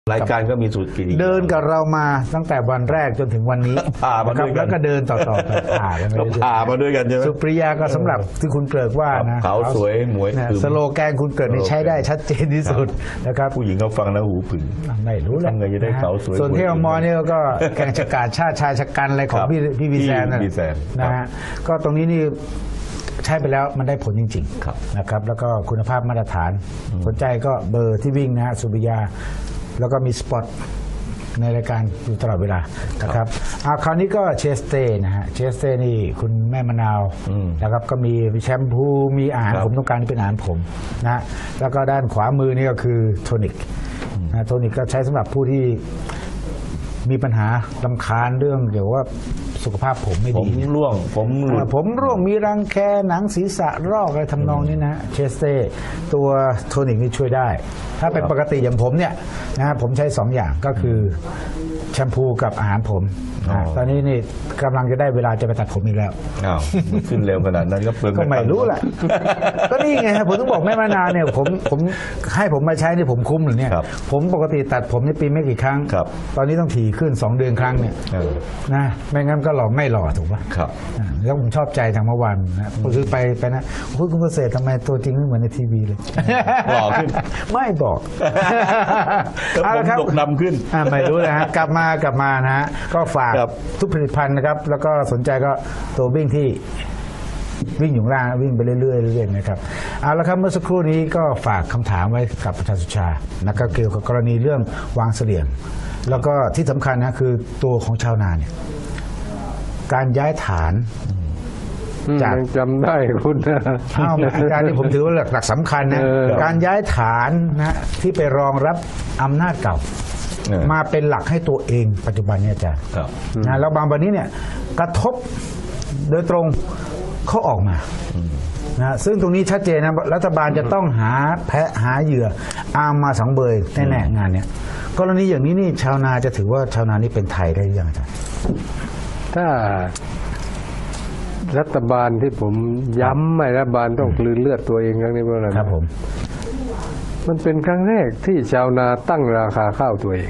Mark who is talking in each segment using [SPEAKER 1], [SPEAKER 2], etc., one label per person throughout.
[SPEAKER 1] รายการก็มีสูตรกิน
[SPEAKER 2] เดินกับเรามาตั้งแต่วันแรกจนถึงวันนี้
[SPEAKER 1] ผ่ามาด้วยกัน
[SPEAKER 2] แล้วก็เดินต่อไปผ่ากันไป
[SPEAKER 1] ผ่ามาด้วยกันใช่ไหม
[SPEAKER 2] สุปริยาก็สำหรับที่คุณเกริกว่านะ
[SPEAKER 1] ขาวสวยหมวย
[SPEAKER 2] สโลแกนคุณเกริกนี่ใช้ได้ชัดเจนที่สุดนะครับ
[SPEAKER 1] ผู้หญิงเขาฟังแล้วหูผึ่ง
[SPEAKER 2] ไม่รู้แหละ
[SPEAKER 1] ทำไงจะได้ขาวสวย
[SPEAKER 2] ส่วนที่อมเนี่ยก็แข่งชะกาดชาติชายชะกันอะไรของพี่วีแซนนะฮะก็ตรงนี้นี่ใช้ไปแล้วมันได้ผลจริงๆนะครับแล้วก็คุณภาพมาตรฐานสนใจก็เบอร์ที่วิ่งนะฮะสุริยาแล้วก็มีสปอตในรายการอยู่ตลอดเวลานะครับคราวนี้ก็เชสเต้นะฮะเชสเต้นี่คุณแม่มะนาวนะครับก็มีแชมพูมีอาหารผมต้องการที่เป็นอาหารผมนะแล้วก็ด้านขวามือนี่ก็คือโทนิกโทนิกก็ใช้สำหรับผู้ที่มีปัญหารำคาญเรื่องเกี่ยวว่าสุขภาพผมไม่ดี
[SPEAKER 1] ผมร่วง
[SPEAKER 2] มีรังแคหนังศีรษะรอกอะไรทำนองนี้นะเชสเต้ตัวโทนิกนี่ช่วยได้ถ้าเป็นปกติอย่างผมเนี่ยนะผมใช้2อย่างก็คือแชมพูกับอาหารผมตอนนี้นี่กำลังจะได้เวลาจะไปตัดผมอีกแล้ว
[SPEAKER 1] ขึ้นเร็วขนาดนั้นก็เปลือง
[SPEAKER 2] ก็ไม่รู้แหละก็นี่ไงผมต้องบอกแม่มานาวเนี่ยผมให้ผมมาใช้นี่ผมคุ้มหรือเนี่ยผมปกติตัดผมในปีไม่กี่ครั้งตอนนี้ต้องถี่ขึ้น2 เดือนครั้งเนี่ยนะไม่งั้นก็หล่อไม่หล่อถูกป่ะแล้วผมชอบใจทางเมื่อวานนะผมซื้อไปนะคุณเกษตรทำไมตัวจริงไม่เหมือนในทีวีเลย
[SPEAKER 1] หล่อขึ้น
[SPEAKER 2] ไม่บอก
[SPEAKER 1] ผมดกดำขึ้น
[SPEAKER 2] ไม่รู้นะฮะกลับมานะฮะก็ฝากทุกผลิตภัณฑ์นะครับแล้วก็สนใจก็ตัววิ่งที่วิ่งอยู่ล่างวิ่งไปเรื่อยๆนะครับเอาละครับเมื่อสักครู่นี้ก็ฝากคำถามไว้กับอาจารย์สุชานะครับเกี่ยวกับกรณีเรื่องวางเสลี่ยงแล้วก็ที่สำคัญนะคือตัวของชาวนาเนี่ยการย้ายฐาน
[SPEAKER 3] จากจำได้คุณ
[SPEAKER 2] อาจารย์นี่ผมถือว่าหลักสำคัญนะการย้ายฐานนะที่ไปรองรับอำนาจเก่ามาเป็นหลักให้ตัวเองปัจจุบันเนี่ยอาจารย์นะแล้วบางวันนี้เนี่ยกระทบโดยตรงเขาออกมานะซึ่งตรงนี้ชัดเจนนะรัฐบาลจะต้องหาแพะหาเหยื่ออามาสังเบยแน่ๆงานเนี้ยกรณีอย่างนี้นี่ชาวนาจะถือว่าชาวนานี่เป็นไทยได้ยังอาจารย์
[SPEAKER 3] ถ้ารัฐบาลที่ผมย้ำไม่รัฐบาลต้องกลืนเลือดตัวเองครั้งนี้เพราะอะไร
[SPEAKER 2] ครับผม
[SPEAKER 3] มันเป็นครั้งแรกที่ชาวนาตั้งราคาข้าวตัวเอง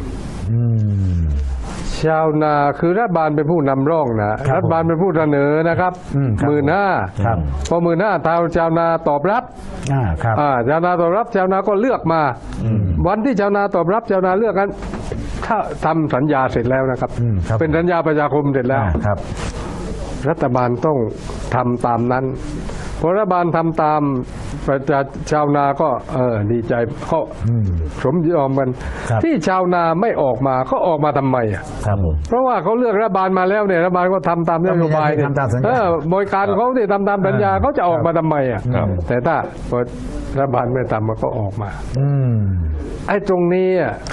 [SPEAKER 3] ชาวนาคือรัฐบาลเป็นผู้นำร่องนะรัฐบาลเป็นผู้เสนอนะครับ15,000พอ15,000ชาวนาตอบรับชาวนาตอบรับชาวนาก็เลือกมาวันที่ชาวนาตอบรับชาวนาเลือกกันถ้าทำสัญญาเสร็จแล้วนะครับเป็นสัญญาประชาคมเสร็จแล้วรัฐบาลต้องทำตามนั้นพอรัฐบาลทำตามประชาชาวนาก็ดีใจเขาสมยอมกันที่ชาวนาไม่ออกมาเขาออกมาทำไมเพราะว่าเขาเลือกรัฐบาลมาแล้วเนี่ยรัฐบาลก็ทำตามนโยบายเนี่ยบริการเขาที่ทำตามสัญญาเขาจะออกมาทำไมแต่ถ้ารัฐบาลไม่ทำมันก็ออกมาไอ้ตรงนี้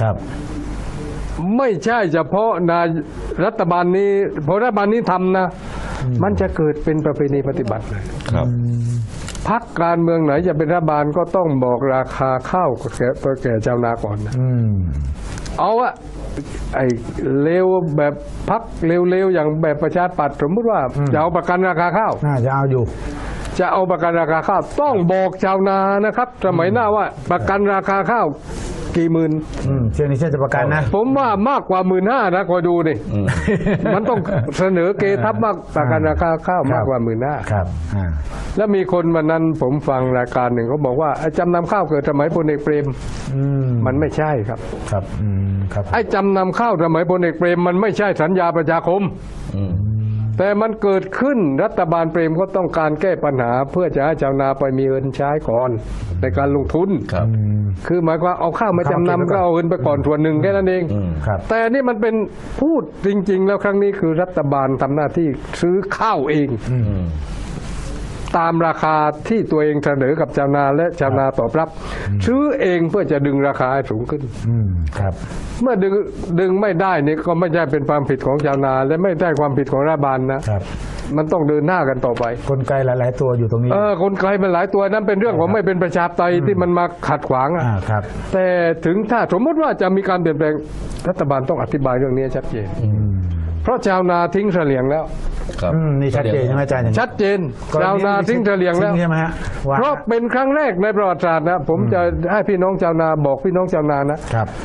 [SPEAKER 3] ไม่ใช่เฉพาะรัฐบาลนี้พอรัฐบาลนี้ทำนะมันจะเกิดเป็นประเพณีปฏิบัติเลยพรรคการเมืองไหนจะเป็นรัฐบาลก็ต้องบอกราคาข้าวแก่ชาวนาก่อนนะเอาอะไอ้เลวแบบพรรคเลวๆอย่างแบบประชาธิปัตย์สมมติว่าจะเอาประกันราคาข้าว
[SPEAKER 2] จะเอาอยู่
[SPEAKER 3] จะเอาประกันราคาข้าวต้องบอกชาวนานะครับสมัยหน้าว่าประกันราคาข้าวกี่หมื่น
[SPEAKER 2] เชื่อนี่เชื่อจะประกันนะ
[SPEAKER 3] ผมว่ามากกว่า15,000นะคอยดูดิมันต้องเสนอเกทับมากประกันราคาข้าวมากกว่า15,000
[SPEAKER 2] ครับ
[SPEAKER 3] แล้วมีคนวันนั้นผมฟังรายการหนึ่งเขาบอกว่าจำนำข้าวเกิดสมัยพลเอกเปรมมันไม่ใช่ครับไอ้จำนำข้าวสมัยพลเอกเปรมมันไม่ใช่สัญญาประชาคมแต่มันเกิดขึ้นรัฐบาลเปรมก็ต้องการแก้ปัญหาเพื่อจะให้ชาวนาไปมีเงินใช้ก่อนในการลงทุนคือหมายความเอาข้าวมาจำนำก็เอาเงินไปก่อนส่วนหนึ่งแค่นั้นเองแต่นี่มันเป็นพูดจริงๆแล้วครั้งนี้คือรัฐบาลทำหน้าที่ซื้อข้าวเองตามราคาที่ตัวเองเสนอกับชาวนาและชาวนาตอบรับซื้อเองเพื่อจะดึงราคาให้สูงขึ้นเมื่อดึงไม่ได้นี่ก็ไม่ใช่เป็นความผิดของชาวนาและไม่ใช่ความผิดของรัฐบาลนะมันต้องเดินหน้ากันต่อไป
[SPEAKER 2] กลไกหลายๆตัวอยู่ตรงนี้
[SPEAKER 3] กลไกมันหลายตัวนั้นเป็นเรื่องของไม่เป็นประชาธิปไตยที่มันมาขัดขวางแต่ถึงถ้าสมมติว่าจะมีการเปลี่ยนแปลงรัฐบาลต้องอธิบายเรื่องนี้ชัดเจนเพราะชาวนาทิ้งเสลี่ยงแล้ว
[SPEAKER 2] นี่ชัดเจนใช่ไหมอาจารย์
[SPEAKER 3] ชัดเจนชาวนาทิ้งเสลี่ยงแล้วเพราะเป็นครั้งแรกในประวัติศาสตร์นะผมจะให้พี่น้องชาวนาบอกพี่น้องชาวนานะครับ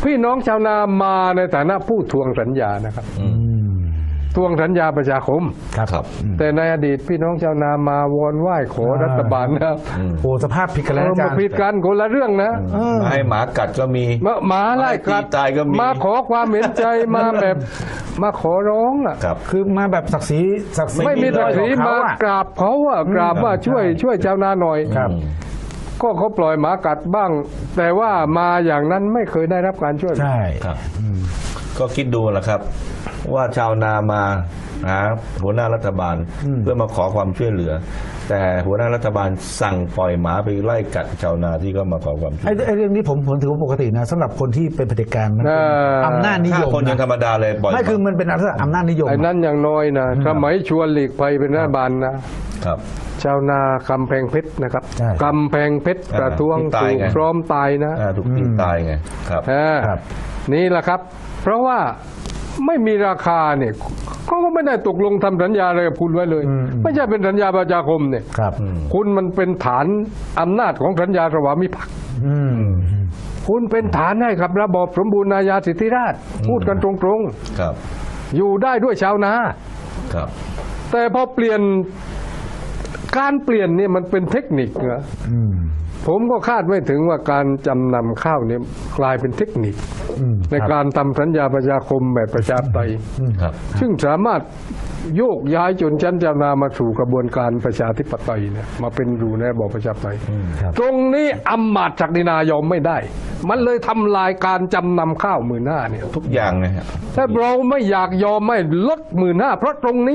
[SPEAKER 3] พี่น้องชาวนามาในฐานะผู้ทวงสัญญานะครับทวงสัญญาประชาคม
[SPEAKER 1] ครับ
[SPEAKER 3] แต่ในอดีตพี่น้องชาวนามาวอนไหว้ขอรัฐบาลนะ
[SPEAKER 2] โอ้สภาพผิดกันแล้วอาจารย์
[SPEAKER 3] ผิดกันคนละเรื่องนะ
[SPEAKER 1] มาให้หมากัดก็มี
[SPEAKER 3] หมาไล่กัด
[SPEAKER 1] ตีตายก็มี
[SPEAKER 3] มาขอความเห็นใจมาแบบมาขอร้องอ่ะ
[SPEAKER 1] ครับ
[SPEAKER 2] คือมาแบบศักดิ์ศรี
[SPEAKER 3] ไม่มีศักดิ์ศรี
[SPEAKER 2] ของ
[SPEAKER 3] มา
[SPEAKER 2] เขาอะ
[SPEAKER 3] กราบเขาอ่ะกราบว่าช่วยชาวนาหน่อย
[SPEAKER 2] ครับ
[SPEAKER 3] ก็เขาปล่อยหมากัดบ้าง แต่ว่ามาอย่างนั้นไม่เคยได้รับการช่วย
[SPEAKER 2] ใช่
[SPEAKER 1] ครับก็คิดดูแหละครับ ว่าชาวนามาหาหัวหน้ารัฐบาลเพื่อมาขอความช่วยเหลือ แต่หัวหน้ารัฐบาลสั่งปล่อยหมาไปไล่กัดชาวนาที่ก็มาขอความช่วยเหลือ
[SPEAKER 2] ไอ้เรื่องนี้ผมถือว่าปกตินะสำหรับคนที่เป็นเผด็จการมันเป็นอำนาจนิย
[SPEAKER 1] ถ้าม คนยังธร
[SPEAKER 2] นะ
[SPEAKER 1] รมดาเลยปล่อย
[SPEAKER 2] ไม่คือมันเป็นอำนาจนิยม
[SPEAKER 3] ไอ้นั่นอย่างน้อยนะสมัยชวนหลีกภัยเป็นรัฐบาลนะครับ ชาวนากำแพงเพชรนะครับ
[SPEAKER 2] ใช่
[SPEAKER 3] กำแพงเพชรประท้วง
[SPEAKER 1] ที่ตาย
[SPEAKER 3] ถูก
[SPEAKER 1] ไง
[SPEAKER 3] พร้อมตายนะ
[SPEAKER 1] ถูกตีตายไงครับ
[SPEAKER 2] ครับ
[SPEAKER 3] นี่แหละครับ เพราะว่าไม่มีราคาเนี่ยเขาก็ไม่ได้ตกลงทำสัญญาอะไรกับคุณไว้เลย ไม่ใช่เป็นสัญญาประชาคมเนี่ย
[SPEAKER 2] ครับ
[SPEAKER 3] คุณมันเป็นฐานอำนาจของสัญญาสวามิภักดิ์
[SPEAKER 2] อืม
[SPEAKER 3] คุณเป็นฐานให้กับระบอบสมบูรณาญาสิทธิราชย์พูดกันตรง
[SPEAKER 1] ครับ
[SPEAKER 3] ๆ อยู่ได้ด้วยชาวนา
[SPEAKER 1] ครับ
[SPEAKER 3] แต่พอเปลี่ยนการเปลี่ยนเนี่ยมันเป็นเทคนิคนะ
[SPEAKER 2] อืม
[SPEAKER 3] ผมก็คาดไม่ถึงว่าการจำนำข้าวเนี่ยกลายเป็นเทคนิค ในการทำสัญญาประชาคมแบบประชาธิปไตย
[SPEAKER 1] ครับ
[SPEAKER 3] ซึ่งสามารถโยกย้ายชนชั้นชาวนามาสู่กระบวนการประชาธิปไตยเนี่ยมาเป็นอยู่ในระบอบประชาธิปไตย
[SPEAKER 2] ครับ
[SPEAKER 3] ตรงนี้อำมาตย์ศักดินายอมไม่ได้ มันเลยทำลายการจำนำข้าว15,000เนี่ย
[SPEAKER 1] ทุกอย่างนะฮะ
[SPEAKER 3] ถ้าเราไม่อยากยอมไม่ลด15,000เพราะตรงนี้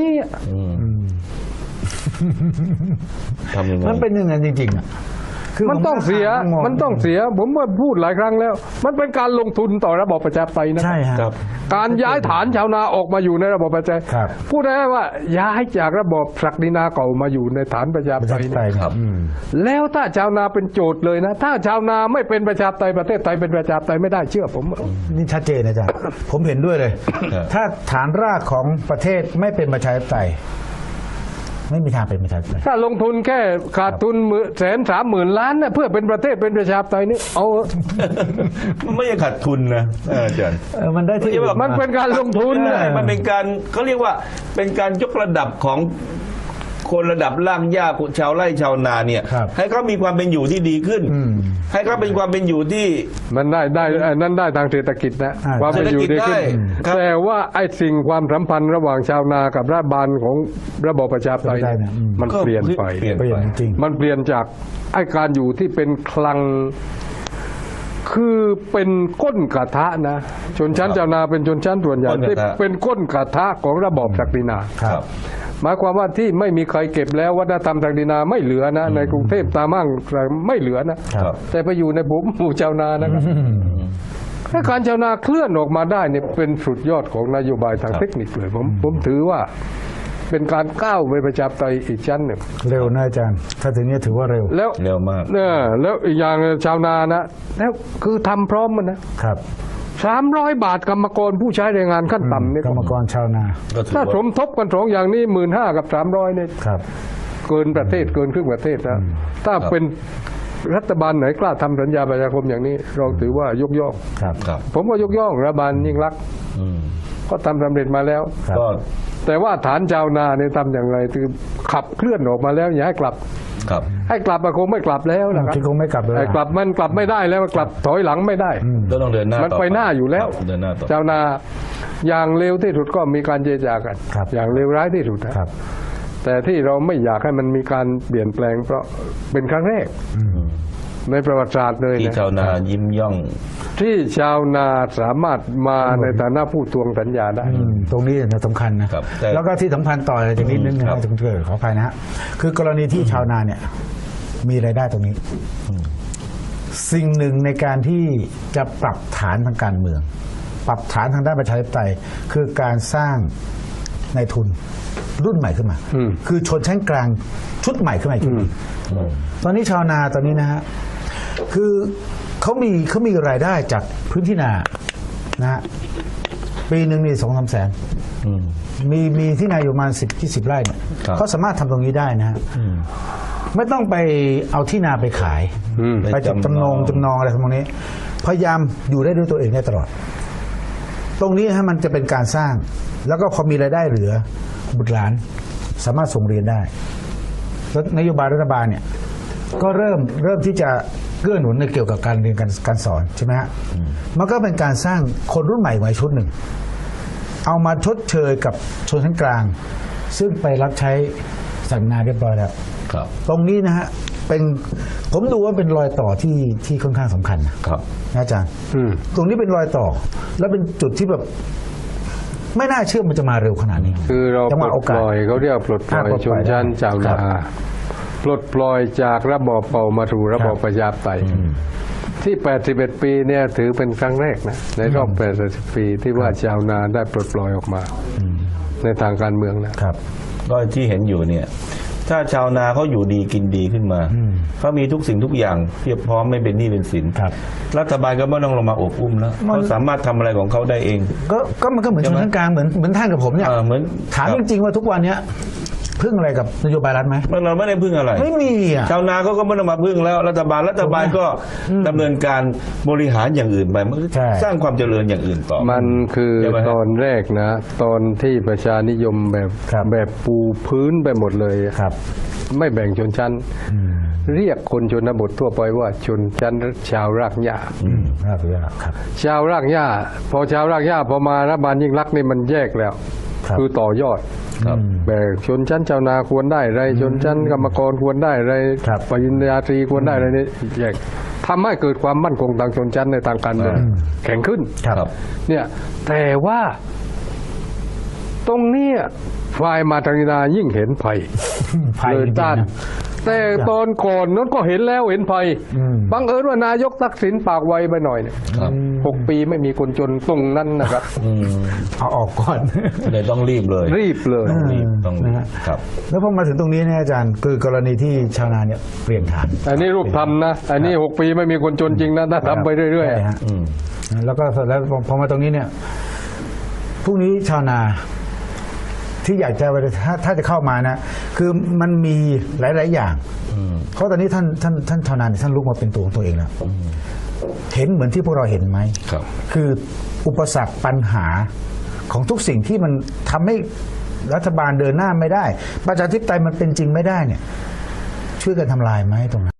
[SPEAKER 1] ทำยังไง
[SPEAKER 2] มันเป็นอย่างนั้นจริงๆอ่ะคือ
[SPEAKER 3] มันต้องเสีย
[SPEAKER 2] ผ
[SPEAKER 3] มันต้องเสีย ผมว่าพูดหลายครั้งแล้ว มันเป็นการลงทุนต่อระบอบประชาธิปไตยนะ
[SPEAKER 2] ใช่ฮะ
[SPEAKER 1] ครับ
[SPEAKER 3] การย้ายฐานชาวนาออกมาอยู่ในระบอบประชาธิปไตย
[SPEAKER 2] ครับ
[SPEAKER 3] พูดได้ว่าย้ายจากระบอบศักดินาเก่ามาอยู่ในฐานประชาธิ
[SPEAKER 2] ป
[SPEAKER 3] ประ
[SPEAKER 2] ชา
[SPEAKER 3] ไตย
[SPEAKER 2] ธิปไตย
[SPEAKER 1] ครับ
[SPEAKER 3] แล้วถ้าชาวนาเป็นโจทย์เลยนะ ถ้าชาวนาไม่เป็นประชาธิปไตยประเทศไทยเป็นประชาธิปไตยไม่ได้เชื่อผม
[SPEAKER 2] นี่ชัดเจนอาจารย์ ผมเห็นด้วยเลย
[SPEAKER 1] ครับ
[SPEAKER 2] ถ้าฐานรากของประเทศไม่เป็นประชาธิปไตยไม่มีทางเป็นประชาธิปไตย
[SPEAKER 3] ถ้าลงทุนแค่ขาดทุน130,000 ล้านนะเพื่อเป็นประเทศเป็นประชาธิปไตยนี่เอา
[SPEAKER 1] มันไม่ใช่ขาดทุนนะอาจารย์
[SPEAKER 2] มันได้ที่
[SPEAKER 1] ไม่ใช่ว่า
[SPEAKER 3] มันเป็นการลงทุน
[SPEAKER 1] ใช่
[SPEAKER 3] นะ
[SPEAKER 1] มันเป็นการเขาเรียกว่าเป็นการยกระดับของคนระดับล่างหญ้าชาวไร่ชาวนาเนี่ย
[SPEAKER 2] ครับ
[SPEAKER 1] ให้เขามีความเป็นอยู่ที่ดีขึ้น ให้เขาเป็นความเป็นอยู่ที่
[SPEAKER 3] มันได้นั่นได้ทางเศรษฐกิจนะ
[SPEAKER 2] อ่า
[SPEAKER 3] ความเป็นอยู่ดีขึ้น
[SPEAKER 1] เศรษฐกิจได้ครับ
[SPEAKER 3] แต่ว่าไอ้สิ่งความสัมพันธ์ระหว่างชาวนากับรัฐบาลของระบอบประชาธิปไตย
[SPEAKER 2] ได้นะ
[SPEAKER 3] มันเปลี่ยนไป
[SPEAKER 1] เปลี่ยน
[SPEAKER 2] เปลี่ยนจริง
[SPEAKER 3] มันเปลี่ยนจากไอ้การอยู่ที่เป็นคลัง คือเป็นก้นกระทะนะชนชั้นชาวนาเป็นชนชั้นส่วนใหญ่
[SPEAKER 1] ก้นกระทะ
[SPEAKER 3] ที่เป็นก้นกระทะของระบอบศักดินา
[SPEAKER 1] ครับ
[SPEAKER 3] หมายความว่าที่ไม่มีใครเก็บแล้ววัฒนธรรมศักดินาไม่เหลือนะ ในกรุงเทพตามห้างไม่เหลือนะ
[SPEAKER 1] ครับ
[SPEAKER 3] แต่ไปอยู่ในหมู่ชาวนานะครับถ้าการชาวนาเคลื่อนออกมาได้เนี่ยเป็นสุดยอดของนโยบายทางเทคนิคเลยผมถือว่าเป็นการก้าวไปประชาธิปไตยอีกชั้นหนึ่ง
[SPEAKER 2] เร็วนะอาจารย์ ถ้าถึงนี้ถือว่าเร็ว
[SPEAKER 3] แล้ว
[SPEAKER 1] เร็วมาก
[SPEAKER 3] แล้วอีกอย่างชาวนานะแล้วคือทำพร้อมมันนะครับ300 บาทกรรมกรผู้ใช้แรงงานขั้นต่ำเนี่ย
[SPEAKER 2] กรรมกรชาวนา
[SPEAKER 1] ก็ถือ
[SPEAKER 3] ถ้าส
[SPEAKER 1] ว่าม
[SPEAKER 3] ทบกัน2อย่างนี้15,000 กับ300เนี่ย
[SPEAKER 2] ครับ
[SPEAKER 3] เกินประเทศเกินครึ่งประเทศนะถ้าเป็นรัฐบาลไหนกล้าทำสัญญาประชาคมอย่างนี้ เราถือว่ายกย่อง
[SPEAKER 2] ครับ
[SPEAKER 1] ครับ
[SPEAKER 3] ผมก็ยกย่องรัฐบาลยิ่งรักษณ์
[SPEAKER 1] อืม
[SPEAKER 3] ก็ทำสำเร็จมาแล้ว
[SPEAKER 2] ครับ
[SPEAKER 1] ก็
[SPEAKER 3] แต่ว่าฐานชาวนาเนี่ยทำอย่างไรคือขับเคลื่อนออกมาแล้วอย่าให้กลับ
[SPEAKER 1] ครับ
[SPEAKER 3] ให้กลับคงไม่กลับแล้วนะครับ
[SPEAKER 2] ที่คงไม่กลับเลย
[SPEAKER 3] ไอ้กลับมันกลับไม่ได้แล้วมันกลับถอยหลังไม่ได้
[SPEAKER 1] ก็ต้องเดินหน้า
[SPEAKER 3] มัน
[SPEAKER 1] ต่อ
[SPEAKER 3] ไปหน้าอยู่แล้ว
[SPEAKER 1] เดินหน้าต่อ
[SPEAKER 3] ชาวนาอย่างเร็วที่สุดก็มีการเจรจากัน
[SPEAKER 2] ครับ
[SPEAKER 3] อย่างเร็วร้ายที่สุดนะครับ แต่ที่เราไม่อยากให้มันมีการเปลี่ยนแปลงเพราะเป็นครั้งแรกในประวัติศาสตร์เลย
[SPEAKER 1] ที่
[SPEAKER 3] นะ
[SPEAKER 1] ชาวนายิ้มย่อง
[SPEAKER 3] ที่ชาวนาสามารถมาในฐานะผู้ทวงสัญญาได้
[SPEAKER 2] ตรงนี้สำคัญนะครับ
[SPEAKER 1] แต่
[SPEAKER 2] แล้วก็ที่สำคัญต่อเลยจากนิดนึงนะจะเกิดขออภัยนะฮะคือกรณีที่ชาวนาเนี่ยมีรายได้ตรงนี้ สิ่งหนึ่งในการที่จะปรับฐานทางการเมือง ปรับฐานทางด้านประชาธิปไตยคือการสร้างในทุนรุ่นใหม่ขึ้นมา คือชนชั้นกลางชุดใหม่ขึ้นมาอีกชุดหนึ่งตอนนี้ชาวนาตอนนี้นะฮะคือเขามีรายได้จากพื้นที่นานะฮะปีหนึ่งนี่2-3 แสน มีที่นาอยู่ประมาณ10-20 ไร่เนี่ย
[SPEAKER 1] ครับ
[SPEAKER 2] เขาสามารถทำตรงนี้ได้นะฮะไม่ต้องไปเอาที่นาไปขาย ไปจำนองอะไรทำตรงนี้พยายามอยู่ได้ด้วยตัวเองได้ตลอด ตรงนี้ฮะมันจะเป็นการสร้าง แล้วก็พอมีรายได้เหลือบุตรหลานสามารถส่งเรียนได้แล้วนโยบายรัฐบาลเนี่ยก็เริ่มที่จะเกื้อหนุนในเกี่ยวกับการเรียนการสอนใช่ไหมฮะมันก็เป็นการสร้างคนรุ่นใหม่ไว้ชุดหนึ่ง เอามาชดเชยกับชนชั้นกลาง ซึ่งไปรับใช้สัญญาเรียบร้อยแล้ว
[SPEAKER 1] ครับ
[SPEAKER 2] ตรงนี้นะฮะเป็นผมดูว่าเป็นรอยต่อที่ค่อนข้างสำคัญนะครับ นะอาจารย์ตรงนี้เป็นรอยต่อ แล้วเป็นจุดที่แบบไม่น่าเชื่อมันจะมาเร็วขนาดนี้
[SPEAKER 3] คือเรา
[SPEAKER 2] จัง
[SPEAKER 3] ป
[SPEAKER 2] ห
[SPEAKER 3] ล
[SPEAKER 2] วะ
[SPEAKER 3] ด
[SPEAKER 2] โอ
[SPEAKER 3] ป
[SPEAKER 2] กาส
[SPEAKER 3] ล่อยเขาเรียกปลดปล่อยชนชั้นชาวนาปลดปล่อยจากระบอบเป่ามาสู่ระบอบประชาธิปไตยที่ 81 ปีเนี่ยถือเป็นครั้งแรกนะในรอบ 80 ปีที่ว่าชาวนาได้ปลดปล่อยออกมาในทางการเมืองนะครับ
[SPEAKER 1] ก็ที่เห็นอยู่เนี่ย ถ้าชาวนาเขาอยู่ดีกินดีขึ้นมาเขามีทุกสิ่งทุกอย่างเพียบพร้อมไม่เป็นหนี้เป็นสิน
[SPEAKER 2] ครับ
[SPEAKER 1] รัฐบาลก็ไม่ต้องลงมาอบอุ้มแล้วเขาสามารถทำอะไรของเขาได้เอง
[SPEAKER 2] ก็มันก็เหมือนชนชั้นกลางเหมือนท่านกับผมเนี่ย
[SPEAKER 1] เหมือน
[SPEAKER 2] ถามจริงๆว่าทุกวันเนี้ยพึ่งอะไรกับนโยบายรัฐไหม
[SPEAKER 1] เราไม่ได้พึ่งอะไร
[SPEAKER 2] ไม่มีอ่ะ
[SPEAKER 1] ชาวนาเขาก็ไม่ต้องมาพึ่งแล้วรัฐบาลก็ดำเนินการบริหารอย่างอื่นไปมันก็
[SPEAKER 2] ใช่
[SPEAKER 1] สร้างความเจริญอย่างอื่นต่อ
[SPEAKER 3] มันคือ
[SPEAKER 1] ใช่ไหมฮะ
[SPEAKER 3] ตอนแรกนะ ตอนที่ประชานิยมแบบปูพื้นไปหมดเลยอะ
[SPEAKER 2] ครับ
[SPEAKER 3] ไม่แบ่งชนชั้น เรียกคนชนบททั่วไปว่าชนชั้นชาวรากหญ้า
[SPEAKER 2] ครับ
[SPEAKER 3] ชาวรากหญ้าพอชาวรากหญ้าพอมารัฐบาลยิ่งรักษณ์นี่มันแยกแล้ว
[SPEAKER 2] ครับ
[SPEAKER 3] คือต่อยอด
[SPEAKER 1] ครับ
[SPEAKER 3] แบ่งชนชั้นชาวนาควรได้อะไรชนชั้นกรรมกรควรได้อะไร
[SPEAKER 2] ครับ
[SPEAKER 3] ปริญญาตรีควรได้อะไรนี่แยกทำให้เกิดความมั่นคงทางชนชั้นในทางการเมืองแข็งขึ้น
[SPEAKER 1] ครับ
[SPEAKER 3] เนี่ยแต่ว่าตรงเนี้ยฝ่ายมาทางนายิ่งเห็นภัย
[SPEAKER 2] ภัย
[SPEAKER 3] เลย
[SPEAKER 2] จริงๆ
[SPEAKER 3] ต้าน
[SPEAKER 2] นะ
[SPEAKER 3] แต่ตอนก่อนนั้นก็เห็นแล้วเห็นภัยบังเอิญว่านายกทักษิณปากไวไปหน่อยเนี่ย
[SPEAKER 1] ครับ
[SPEAKER 3] 6 ปีไม่มีคนจนตรงนั้นนะครับ
[SPEAKER 2] เอาออกก่อน
[SPEAKER 1] เลยต้องรีบเลย
[SPEAKER 3] รีบเลย
[SPEAKER 1] ต้องรีบครับ
[SPEAKER 2] แล้วพอมาถึงตรงนี้เนี่ยอาจารย์คือกรณีที่ชาวนาเนี่ยเปลี่ยนฐาน
[SPEAKER 3] อันนี้รูปทำนะ อันนี้ 6 ปีไม่มีคนจนจริงนะถ้าทำไปเรื่อย
[SPEAKER 2] ใช่ฮะแล้วก็แล้วพอมาตรงนี้เนี่ยพรุ่งนี้ชาวนาที่อยากจะถ้าจะเข้ามานะ คือมันมีหลาย ๆ อย่างเพราะตอนนี้ท่านชาวนาเนี่ยท่านลุกมาเป็นตัวของตัวเองแล้วเห็นเหมือนที่พวกเราเห็นไหม
[SPEAKER 1] ครับ
[SPEAKER 2] คืออุปสรรคปัญหาของทุกสิ่งที่มันทำให้รัฐบาลเดินหน้าไม่ได้ประชาธิปไตยมันเป็นจริงไม่ได้เนี่ย ช่วยกันทำลายไหมตรงนั้น